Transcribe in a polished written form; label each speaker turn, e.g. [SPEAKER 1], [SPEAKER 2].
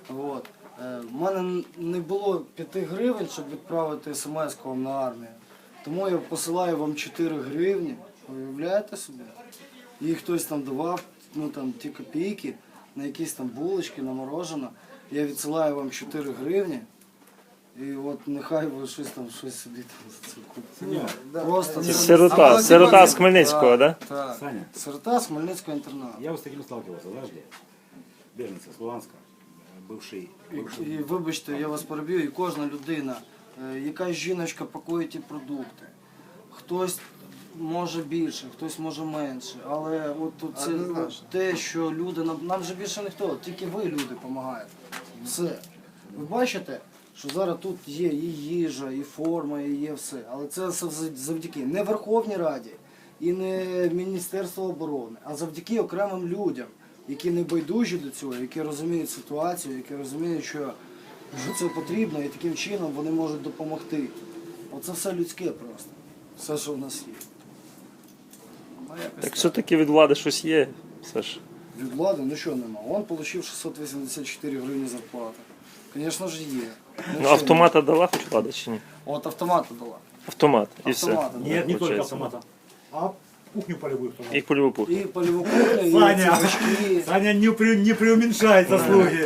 [SPEAKER 1] От. У мене не було 5 гривень, щоб відправити смс-ку вам на армію. Тому я посилаю вам 4 гривні. Уявляєте собі? І хтось там давав ті копійки на якісь там булочки, на морожене. Я відсилаю вам 4 гривні. І от нехай ви щось собі там за це купите. Просто
[SPEAKER 2] Це сирота з Хмельницького, да?
[SPEAKER 1] Так.
[SPEAKER 3] Саня,
[SPEAKER 1] Сирота з Хмельницького інтернату.
[SPEAKER 3] я вот с таким сталкивался, подожди. Беженцы с Луганска, бывший.
[SPEAKER 1] І вибачте, я вас переб'ю, і кожна людина, якась жіночка пакує ті продукти. Хтось може більше, хтось може менше. Але от тут це те, що люди, нам же більше ніхто, тільки ви, люди, допомагаєте. Все. Ви бачите, що зараз тут є і їжа, і форма, і є все. Але це все завдяки не Верховній Раді і не Міністерству оборони, а завдяки окремим людям, які не байдужі до цього, які розуміють ситуацію, які розуміють, що це потрібно, і таким чином вони можуть допомогти. Оце все людське просто. Все, що в нас є.
[SPEAKER 2] Так все-таки від влади щось є, Саш.
[SPEAKER 1] Від влади, ну що нема. Он отримав 684 гривні зарплати. Звісно ж є.
[SPEAKER 2] Ну автомата дала хоч влада чи ні?
[SPEAKER 1] От автомата дала.
[SPEAKER 2] Автомат і все.
[SPEAKER 1] Автомата дала.
[SPEAKER 3] Нет, не только
[SPEAKER 2] Получается.
[SPEAKER 3] автомата, а кухню полевую.
[SPEAKER 2] І польову пуху.
[SPEAKER 1] І польову кухню, і
[SPEAKER 3] Саня,
[SPEAKER 1] цвічки.
[SPEAKER 3] Саня не преуменьшает заслуги.